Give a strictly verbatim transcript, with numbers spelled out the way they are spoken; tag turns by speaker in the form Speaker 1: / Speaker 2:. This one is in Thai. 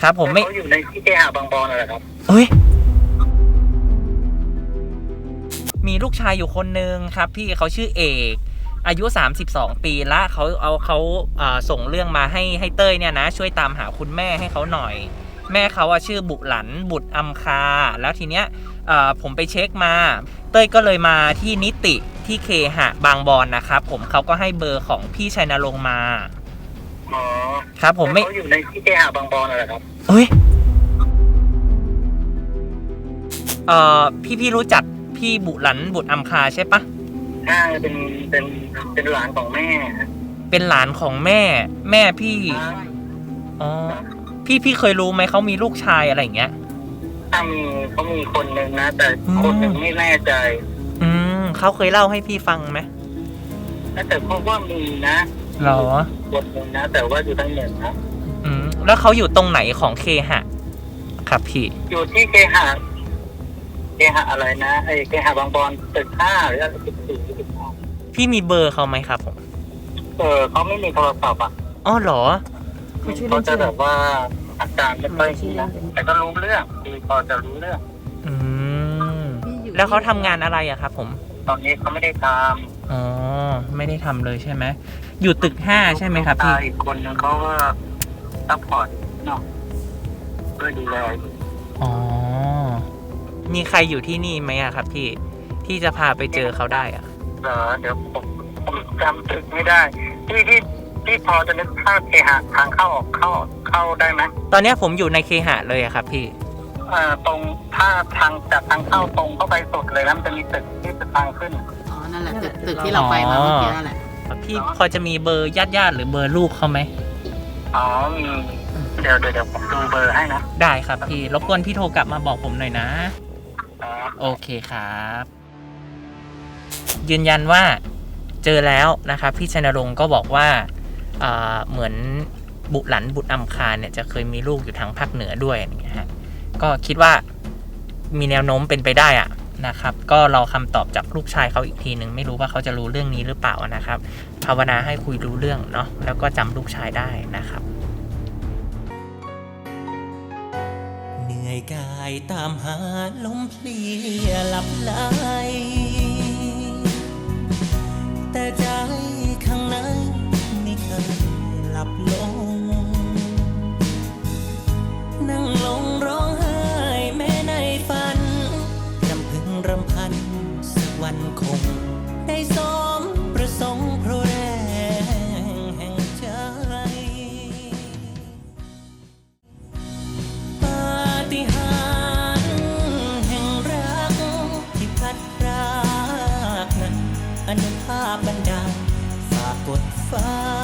Speaker 1: ครับผมไม่
Speaker 2: เขาอยู่ในที่เคหะบางบอนอะไรครับ
Speaker 1: เฮ้ยมีลูกชายอยู่คนนึงครับพี่เขาชื่อเอกอายุสามสิบสองปีละเขาเอาเขาอ่าส่งเรื่องมาให้ให้เต้ยเนี่ยนะช่วยตามหาคุณแม่ให้เขาหน่อยแม่เขาอะชื่อบุหลันบุตรอำคาแล้วทีเนี้ยผมไปเช็คมาเต้ยก็เลยมาที่นิติที่เคหะบางบอนนะครับผมเขาก็ให้เบอร์ของพี่ชัยนรงค์มา
Speaker 2: อ๋อ
Speaker 1: ครับผมไม่
Speaker 2: เขาอยู่ในที่เคหะบางบอนอะไรครับ
Speaker 1: เฮ้ยเอ่อพี่พี่รู้จักพี่บุหลันบุตรอำคาใช่ปะ
Speaker 2: ใช่เป็นเป็นเป็นหลานของแม่
Speaker 1: เป็นหลานของแม่แม่พี่อ๋อพี่พี่เคยรู้ไหมเขามีลูกชายอะไรอย่างเงี้ย
Speaker 2: ถ้ามีเขามีคนหนึ่งนะแต่คนหนึ่งไม่แน่ใจ
Speaker 1: อืมเขาเคยเล่าให้พี่ฟังไหม
Speaker 2: แต่เขาว่ามีนะ
Speaker 1: หรอ
Speaker 2: คนหนึ่งนะแต่ว่าอยู่ทางเหนือนะ
Speaker 1: อืมแล้วเขาอยู่ตรงไหนของเคหะครับพี่
Speaker 2: อยู่ที่เคหะเคหะอะไรนะไอ้เคหะบางบอนตึกห้าหรืออะไรตึกสี่ตึกห้า
Speaker 1: พี่มีเบอร์เขาไหมครับผม
Speaker 2: เออเขาไม่มีโทรศัพท์อ่ะ
Speaker 1: อ๋อเหรอ
Speaker 2: เขาจะแบบว่าอาการไม่ค่อยดีนะแต่ก็รู้เรื่องคือพอจะรู้เรื่อง
Speaker 1: อืมแล้วเขาทำงานอะไรอะครับผม
Speaker 2: ตอนนี้เขาไม่ได้ทำ
Speaker 1: อ๋อไม่ได้ทำเลยใช่ไหมอยู่ตึกห้าใช่ไหมครับพี่
Speaker 2: อีกคนนึงเขาก็ซัพพอร์ตเนาะเพื่อดูแล
Speaker 1: อ๋อมีใครอยู่ที่นี่ไหมอะครับพี่ที่จะพาไปเจอเขาได้อะ
Speaker 2: เออเดี๋ยวผมผมจำตึกไม่ได้ที่ที่ที่พอจะนึกภาพเคหะทางเข้าออกเข้าเข้าได้ไหม
Speaker 1: ตอนนี้ผมอยู่ในเคหะเลยอะครับพี่
Speaker 2: เอ่อตรงถ้าทางจากทางเข้าตรงเข้าไปสุดเลยแล้วมันจะมีตึกที่จะทางขึ้น
Speaker 3: อ๋อนั่นแหละตึกตึกที่เราไปมาเมื่อกี้นั่นแหละ
Speaker 1: พี่พอจะมีเบอร์ญาติญาติหรือเบอร์ลูกเขาไหม
Speaker 2: อ๋อมีเดี๋ยวเดี๋ยวเดี๋ยวผมดูเบอร์ให้นะ
Speaker 1: ได้ครับพี่รบกวนพี่โทรกลับมาบอกผมหน่อยนะโอเคครับยืนยันว่าเจอแล้วนะครับพี่ชัยนรงค์ก็บอกว่าเหมือนบุหลันบุตรอำคาเนี่ยจะเคยมีลูกอยู่ทางภาคเหนือด้วยอย่างเงี้ยฮะก็คิดว่ามีแนวโน้มเป็นไปได้อะนะครับก็รอคำตอบจากลูกชายเขาอีกทีหนึ่งไม่รู้ว่าเขาจะรู้เรื่องนี้หรือเปล่านะครับภาวนาให้คุยรู้เรื่องเนาะแล้วก็จำลูกชายได้นะครับเหนื่อยกายตามหาลมเพลียหลับไหลแต่ใจข้างในไม่เคยหลับลงนั่งลงร้องไห้แม้ในฝันรำพึงรำพันสักวันคงได้สมประสงค์เพราะแรงแห่งใจปาฏิหาริย์แห่งรักที่พัดพรากนั้นอนุภาพบันดาลฝากกดฟ้า